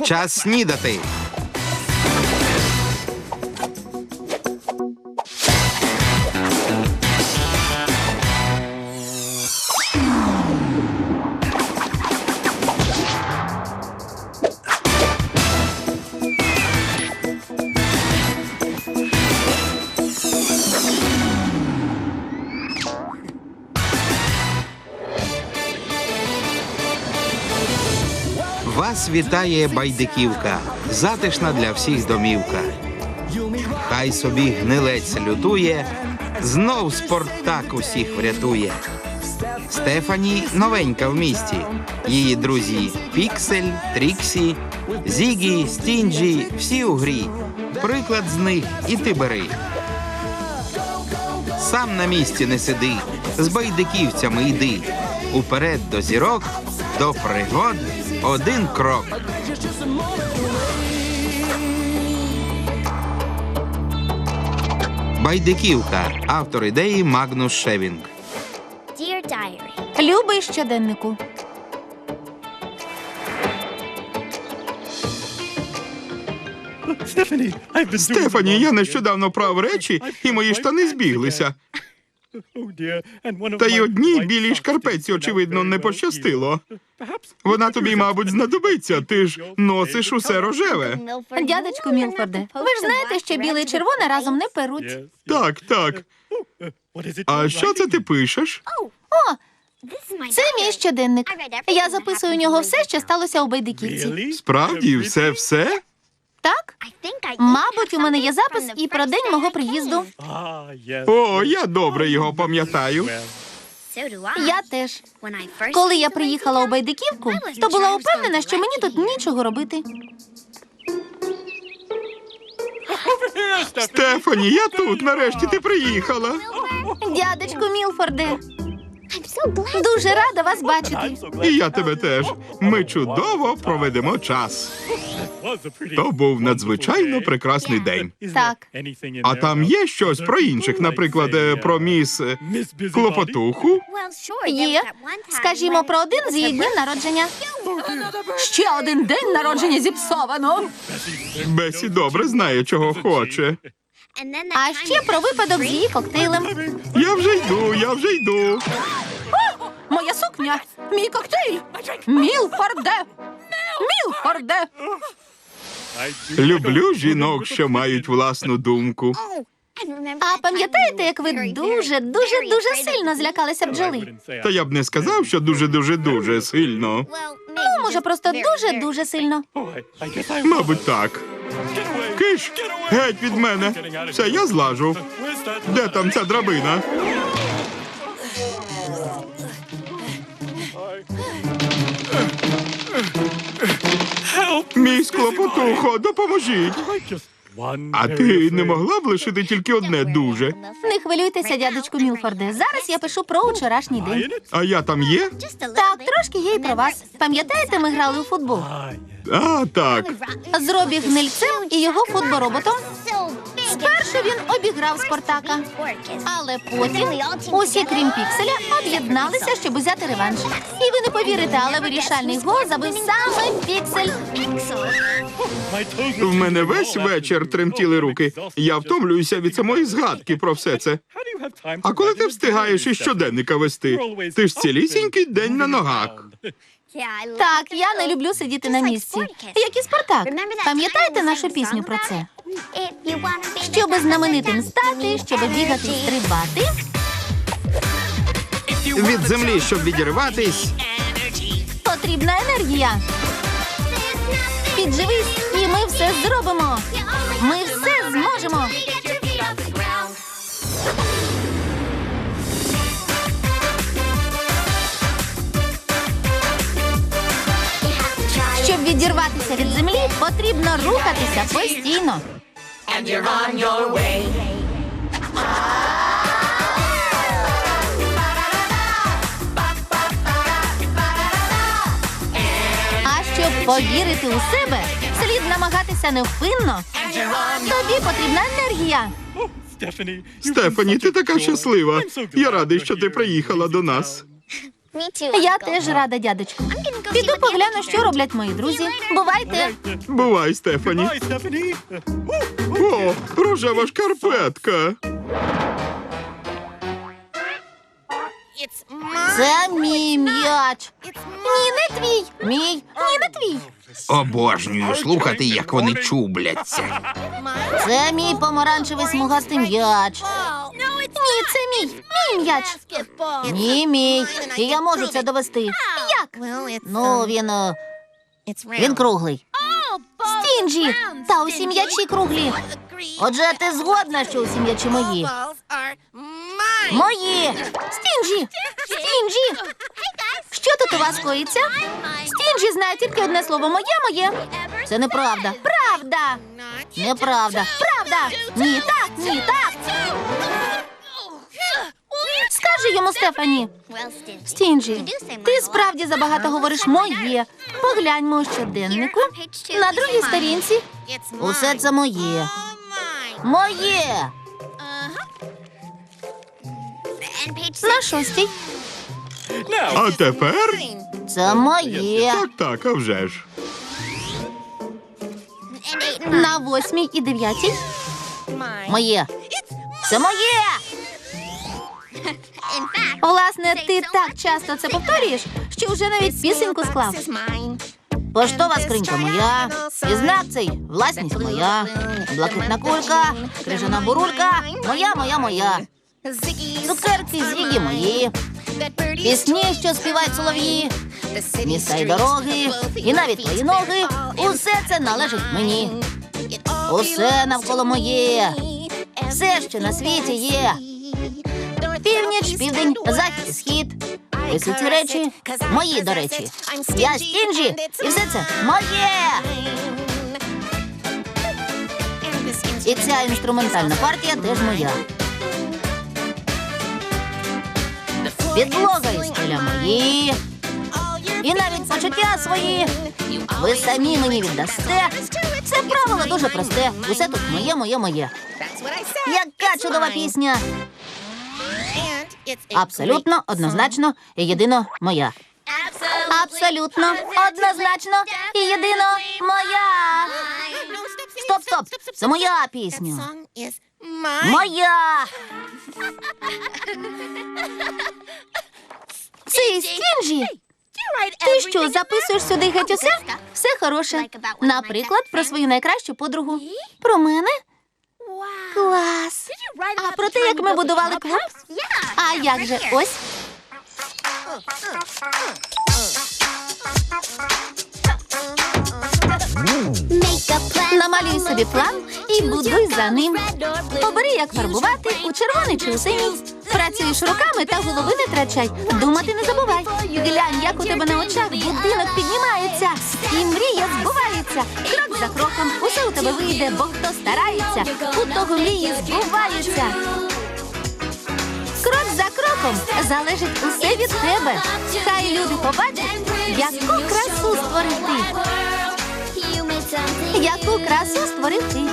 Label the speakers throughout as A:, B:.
A: Час снідати. Вас вітає Байдиківка, затишна для всіх домівка. Хай собі гнилець лютує, знов Спартак усіх врятує. Стефані новенька в місті. Її друзі Піксель, Тріксі, Зігі, Стінджі – всі у грі. Приклад з них і ти бери. Сам на місці не сиди, з байдиківцями йди. Уперед до зірок, до пригод один крок. Байдиківка. Автор ідеї Магнус Шевінг.
B: Любий щоденнику.
A: Стефані, я нещодавно прав речі, і мої штани збіглися. Та й одній білій шкарпетці, очевидно, не пощастило. Вона тобі, мабуть, знадобиться. Ти ж носиш усе рожеве.
B: Дядечку Мілфорде, ви ж знаєте, що біле і червоне разом не перуть.
A: Так, так. А що це ти пишеш?
B: О, це мій щоденник. Я записую у нього все, що сталося у Байдиківці.
A: Справді, все?
B: Так? Мабуть, у мене є запис і про день мого приїзду.
A: О, я добре його пам'ятаю.
B: Я теж. Коли я приїхала у Байдиківку, то була упевнена, що мені тут нічого робити.
A: Стефані, я тут, нарешті ти приїхала.
B: Дядечку Мілфорде, дуже рада вас бачити.
A: І я тебе теж. Ми чудово проведемо час. То був надзвичайно прекрасний день.
B: Так.
A: А там є щось про інших, наприклад, про міс Клопотуху?
B: Є. Скажімо, про один з її днів народження. Ще один день народження зіпсовано.
A: Бесі добре знає, чого хоче.
B: А ще про випадок з її коктейлем.
A: Я вже йду.
B: Моя сукня, мій коктейль. Мілфорде. Мілфорде.
A: Люблю жінок, що мають власну думку.
B: А пам'ятаєте, як ви дуже сильно злякалися бджоли?
A: Та я б не сказав, що дуже сильно.
B: Ну, може, просто дуже сильно.
A: Мабуть, так. Киш, геть від мене. Все, я злажу. Де там ця драбина? Мій Клопотухо, допоможіть. А ти не могла б лишити тільки одне дуже?
B: Не хвилюйтеся, дядечку Мілфорде. Зараз я пишу про вчорашній день.
A: А я там є?
B: Так, трошки є і про вас. Пам'ятаєте, ми грали у футбол?
A: А, так.
B: З Робі Гнильцем і його футбороботом. Спершу він обіграв Спартака, але потім усі, крім Пікселя, об'єдналися, щоб узяти реванш. І ви не повірите, але вирішальний гол забив саме Піксель.
A: В мене весь вечір тремтіли руки. Я втомлююся від самої згадки про все це. А коли ти встигаєш із щоденника вести? Ти ж цілісінький день на ногах.
B: Так, я не люблю сидіти на місці. Як і Спартак. Пам'ятаєте нашу пісню про це? Щоби знаменитим стати, щоби бігати і стрибати.
A: Від землі, щоб відірватись.
B: Потрібна енергія. Підживись, і ми все зробимо. Ми все зможемо. Щоб відірватися від землі, потрібно рухатися постійно. А щоб повірити у себе, слід намагатися невпинно. Тобі потрібна енергія.
A: Стефані, ти така щаслива. Я радий, що ти приїхала до нас.
B: Я теж рада, дядечку. Піду погляну, що роблять мої друзі. Бувайте.
C: Бувай, Стефані. О, рожева шкарпетка.
B: Це мій м'яч. Ні, не твій. Мій. Ні, не твій.
A: Обожнюю слухати, як вони чубляться.
B: Це мій помаранчевий смугастий м'яч. Ні, це мій. Мій м'яч. Ні, мій. І я можу це довести. Як? Ну, він круглий. Стінджі! Та усі м'ячі круглі. Отже, ти згодна, що усі м'ячі мої? Мої! Стінджі! Стінджі! Що тут у вас коїться? Стінджі знає тільки одне слово моє. Це неправда. Правда! Неправда. Правда! Ні, так, ні, так! Скажи йому, Стефані. Стінджі, ти справді забагато говориш моє. Погляньмо у щоденнику. На другій сторінці. Усе це моє. Моє! На шостій.
C: А тепер?
B: Це моє.
C: Так, а вже ж.
B: На восьмій і дев'ятій. Моє. Це моє! Власне, ти так часто це повторюєш, що вже навіть пісеньку склав. Поштова скринька моя, і знак цей власність моя, блакитна кулька, крижана бурулька, моя. Цукерки Зігі мої, пісні, що співають солов'ї, міста й дороги, і навіть твої ноги, усе це належить мені. Усе навколо моє, все, що на світі є. Північ, південь, захід і схід. Усі ці речі мої, до речі. Я Стінджі, і все це моє. І ця інструментальна партія теж моя. Підлога і стеля мої. І навіть почуття свої. Ви самі мені віддасте. Це правило дуже просте. Усе тут моє. Яка чудова пісня. Абсолютно, однозначно і єдино моя. Абсолютно, однозначно і єдино моя. Стоп. Це моя пісня. Моя. Це Стінджі. Ти що, записуєш сюди геть усе? Все хороше. Наприклад, про свою найкращу подругу. Про мене? Клас. А про те, як ми будували клуб? А як же? Ось. Намалюй собі план і будуй за ним. Обери, як фарбувати, у червоний чи у синій. Працюєш руками та голови не втрачай. Думати не забувай. Глянь, як у тебе на очах будинок піднімається. І мрія збувається. Крок за кроком усе у тебе вийде, бо хто старається, у того мрії збуваються. Крок за кроком залежить усе від тебе. Хай люди побачать, яку красу створив ти. Яку красу створив ти.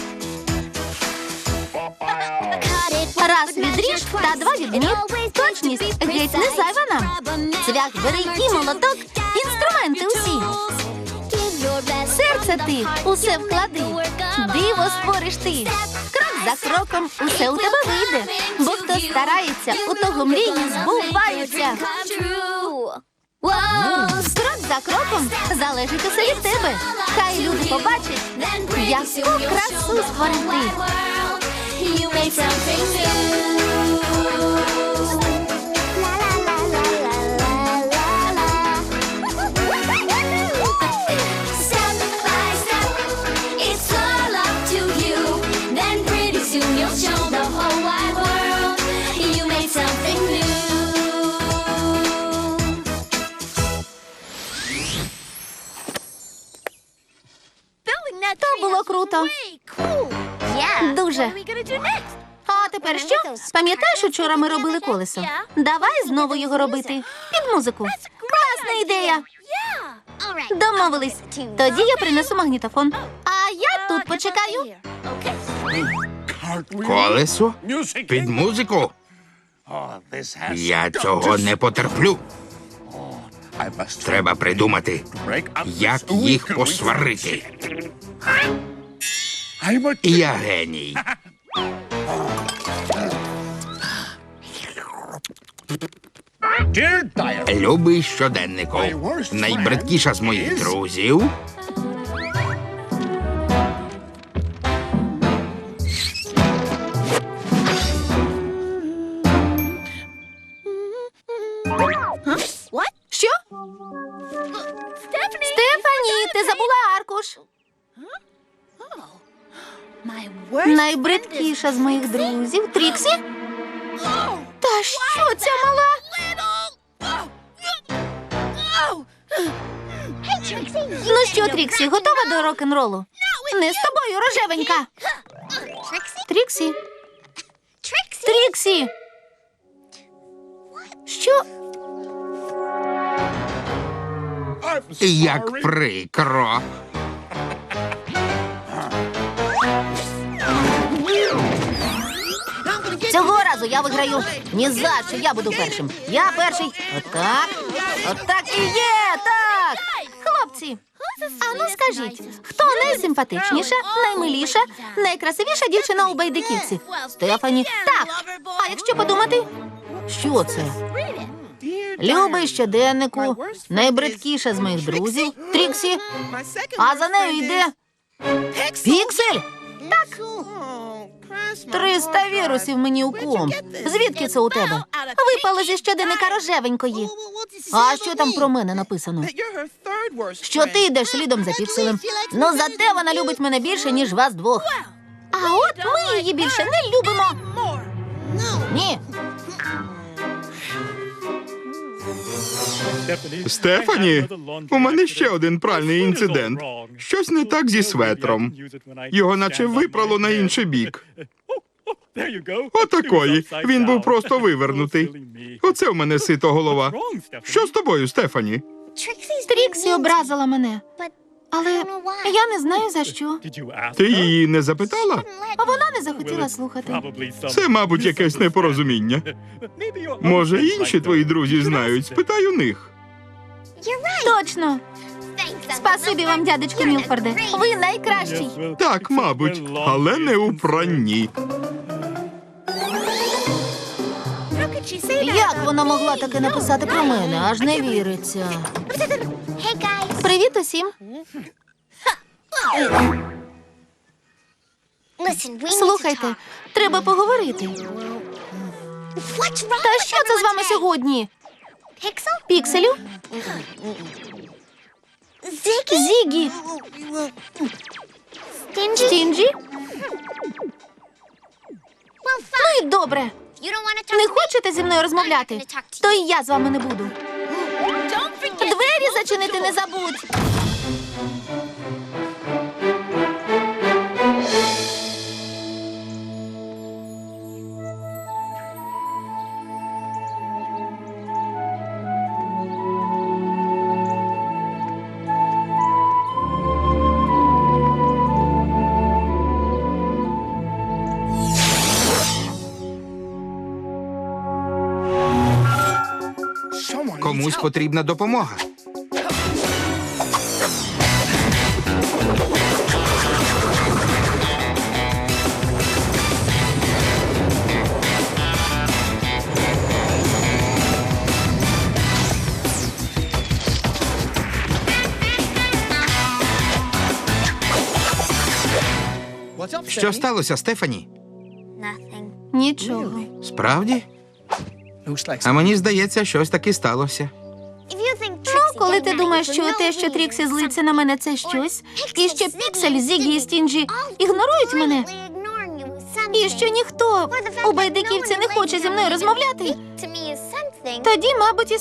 B: Раз відріж та два відмір. Точність геть не зайва нам. Цвях бери і молоток, інструменти усі. Серце ти усе вклади, диво створиш ти. Крок за кроком усе у тебе вийде, бо хто старається, у того мрії збуваються. Крок за кроком залежить усе від тебе. Хай люди побачать, яку красу створив ти. То було круто. Дуже. А тепер що? Пам'ятаєш, учора ми робили колесо? Давай знову його робити. Під музику. Класна ідея. Домовились. Тоді я принесу магнітофон. А я тут почекаю.
A: Колесо? Під музику? Я цього не потерплю. Треба придумати, як їх посварити. Я геній. Любий щоденнику. Найбридкіша з моїх друзів.
B: Що? Стефані, ти забула аркуш. Найбридкіша з моїх друзів. Тріксі? Та що ця мала? Ну що, Тріксі, готова до рок-н-ролу? Не з тобою, рожевенька. Тріксі? Тріксі! Що?
A: Як прикро.
B: Цього разу я виграю. Ні за що, я буду першим. Я перший. Отак. Отак і є. Так. Хлопці, а ну скажіть, хто найсимпатичніша, наймиліша, найкрасивіша дівчина у Байдиківці? Стефані. Так. А якщо подумати? Що це? Любий щоденнику, найбридкіша з моїх друзів, Тріксі, а за нею йде Піксель. Так. 300 вірусів мені у комп. Звідки це у тебе? Випало зі щоденника рожевенької. А що там про мене написано? Що ти йдеш слідом за Пікселем. Ну, зате вона любить мене більше, ніж вас двох. А от ми її більше не любимо. Ні.
C: Стефані, у мене ще один пральний інцидент. Щось не так зі светром. Його наче випрало на інший бік. Отакої. Він був просто вивернутий. Оце в мене сито голова. Що з тобою, Стефані?
B: Тріксі образила мене. Але я не знаю, за що.
C: Ти її не запитала?
B: А вона не захотіла слухати.
C: Це, мабуть, якесь непорозуміння. Може, інші твої друзі знають? Спитай у них.
B: Точно. Спасибі вам, дядечку Мілфорде. Ви найкращий.
C: Так, мабуть, але не у пранні.
B: Як вона могла таке написати про мене? Аж не віриться. Привіт усім. Слухайте, треба поговорити. Та що це з вами сьогодні? Пікселю? Зігі? Стінджі? Ну і добре. Не хочете зі мною розмовляти? То і я з вами не буду. Двері зачинити не забудь.
A: Комусь потрібна допомога. Що сталося, Стефані?
B: Нічого.
A: Справді? А мені здається, щось таки сталося.
B: Ну, коли ти думаєш, що те, що Тріксі злиться на мене, це щось, і що Піксель, Зігі і Стінджі ігнорують мене, і що ніхто у Байдиківці не хоче зі мною розмовляти, тоді, мабуть, і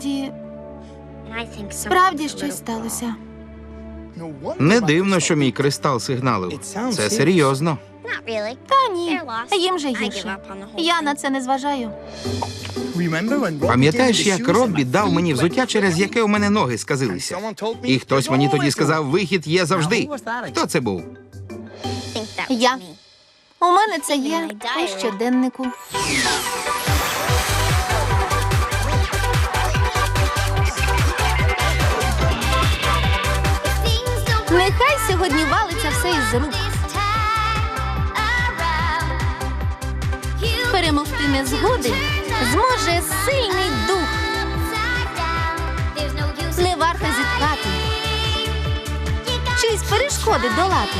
B: справді щось сталося.
A: Не дивно, що мій кристал сигналив. Це серйозно.
B: Та ні, їм же гірше. Я на це не зважаю.
A: Пам'ятаєш, як Роббі дав мені взуття, через яке у мене ноги сказилися? І хтось мені тоді сказав, вихід є завжди. Хто це був?
B: Я. У мене це є у щоденнику. Нехай сьогодні валиться все із рук. Перемогти незгоди зможе сильний дух. Не варто зітхати, чиїсь перешкоди долати.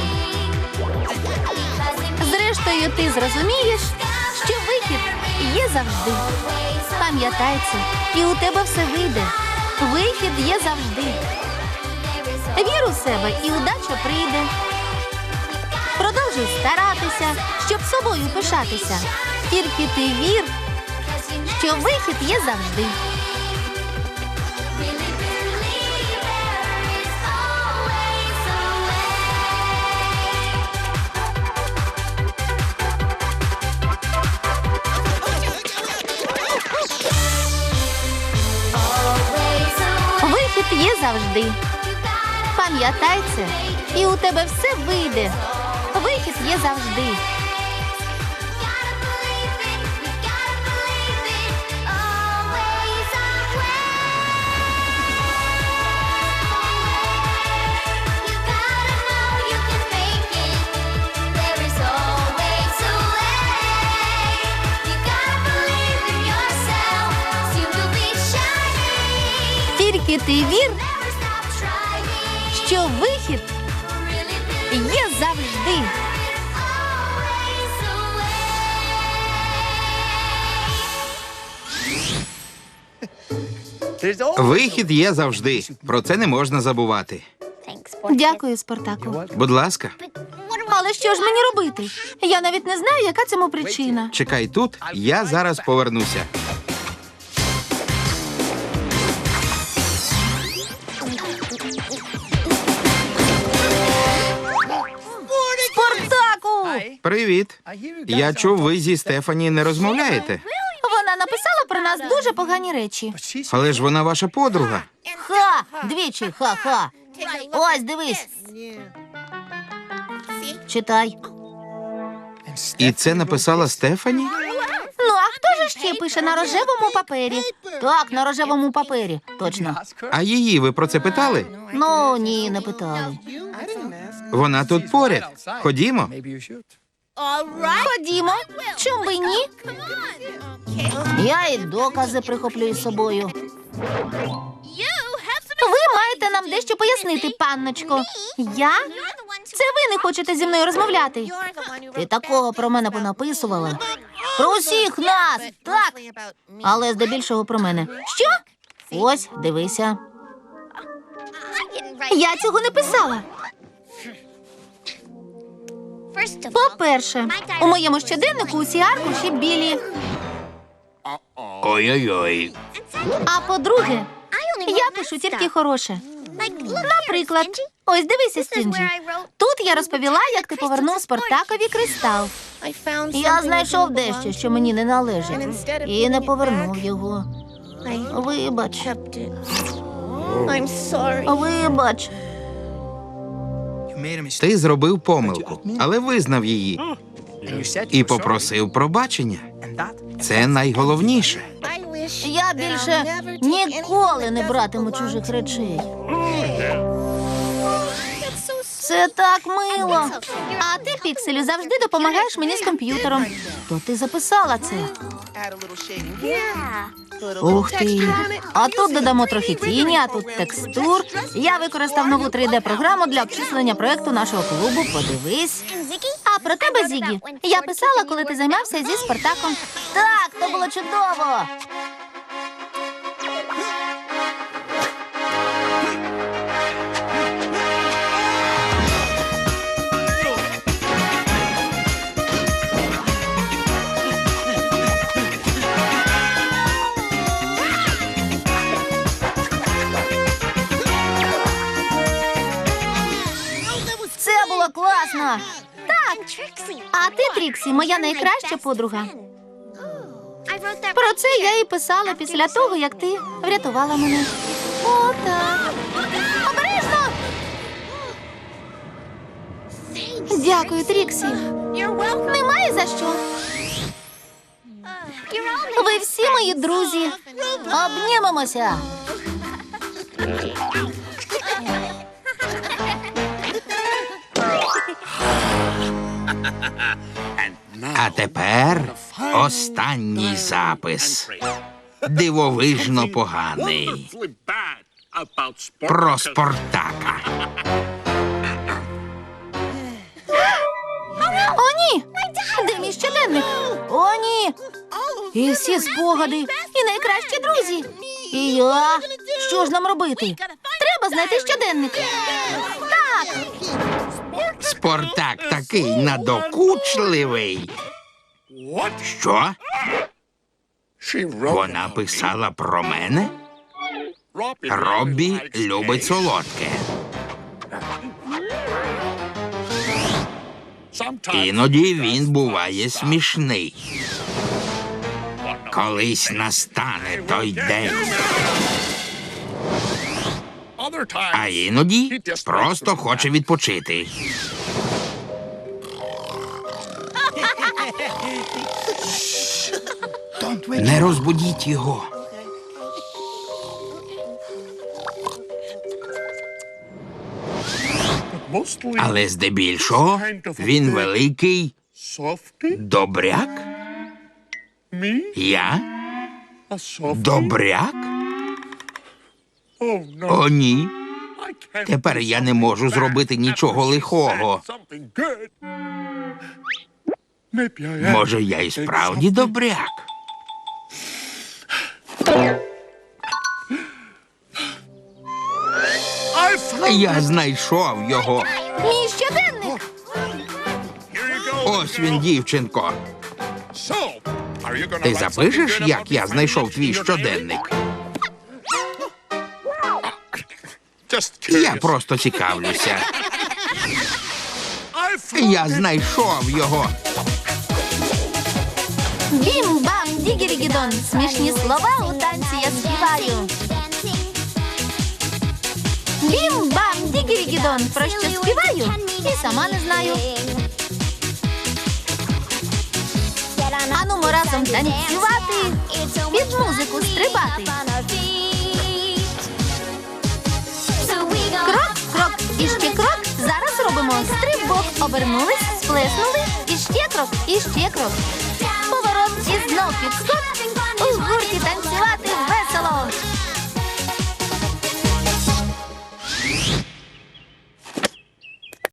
B: Зрештою, ти зрозумієш, що вихід є завжди. Пам'ятай це, і у тебе все вийде. Вихід є завжди. Вір у себе, і удача прийде. Продовжуй старатися, щоб собою пишатися. Тільки ти вір, що вихід є завжди. Вихід є завжди. Пам'ятай це, і у тебе все вийде. Вихід є завжди. Тільки ти вір, що вихід є завжди.
A: Вихід є завжди. Про це не можна забувати.
B: Дякую, Спартаку.
A: Будь ласка,
B: Але що ж мені робити? Я навіть не знаю, яка цьому причина.
A: чекай тут, я зараз повернуся.
B: Спартаку!
A: Привіт. Я чув, ви зі Стефані не розмовляєте.
B: Вона написала про нас дуже погані речі.
A: Але ж вона ваша подруга.
B: Ха! Двічі ха-ха. Ось, дивись. Читай.
A: І це написала Стефані?
B: Ну, а хто ж ще пише на рожевому папері? Так, на рожевому папері. Точно.
A: А її ви про це питали?
B: Ну, ні, не питали.
A: Вона тут поряд. Ходімо.
B: Ходімо. Чому би ні? Я і докази прихоплю із собою. Ви маєте нам дещо пояснити, панночко. Я? Це ви не хочете зі мною розмовляти. Ти такого про мене понаписувала. Про усіх нас, так. Але здебільшого про мене. Що? Ось, дивися. Я цього не писала. По-перше, у моєму щоденнику усі аркуші білі.
A: Ой-ой-ой.
B: А по-друге, я пишу тільки хороше. Наприклад, ось дивися, Стінджі. Тут я розповіла, як ти повернув Спартакові кристал. Я знайшов дещо, що мені не належить, і не повернув його. Вибач. Вибач.
A: Ти зробив помилку, але визнав її. І попросив пробачення. Це найголовніше.
B: Я більше ніколи не братиму чужих речей. Це так мило. А ти, Пікселю, завжди допомагаєш мені з комп'ютером. То ти записала це. Ух ти. А тут додамо трохи тіні, а тут текстур. Я використав нову 3D-програму для обчислення проекту нашого клубу. Подивись. А про тебе, Зігі, я писала, коли ти займався зі Спартаком. Так, то було чудово. Це було класно. Так. А ти, Тріксі, моя найкраща подруга. Про це я і писала після того, як ти врятувала мене. О, так. Обережно! Дякую, Тріксі. Немає за що. Ви всі мої друзі. Обнімемося.
A: А тепер останній запис. Дивовижно поганий. Про Спартака.
B: О, ні! Де мій щоденник? О, ні! І всі спогади, і найкращі друзі. І я. Що ж нам робити? Треба знайти щоденник. Так!
A: Спартак такий надокучливий. Що? Вона писала про мене? Роббі любить солодке. Іноді він буває смішний. Колись настане той день. А іноді просто хоче відпочити. Не розбудіть його. Але здебільшого він великий добряк. Я? Добряк? О, ні. Тепер я не можу зробити нічого лихого. Може, я і справді добряк? Я знайшов його.
B: Мій щоденник!
A: Ось він, дівчинко. Ти запишеш, як я знайшов твій щоденник? Я просто цікавлюся. Я знайшов його.
B: Бім-бам, дігірігідон. Смішні слова у танці я співаю. Бім-бам, дігірігідон. Про що співаю? І сама не знаю. Анумо разом танцювати, під музику стрибати. Крок, крок, і ще крок. Зараз робимо стрибок. Обернулись, сплеснули, і ще крок, і ще крок. Поворот і знов підскок. У гурті танцювати.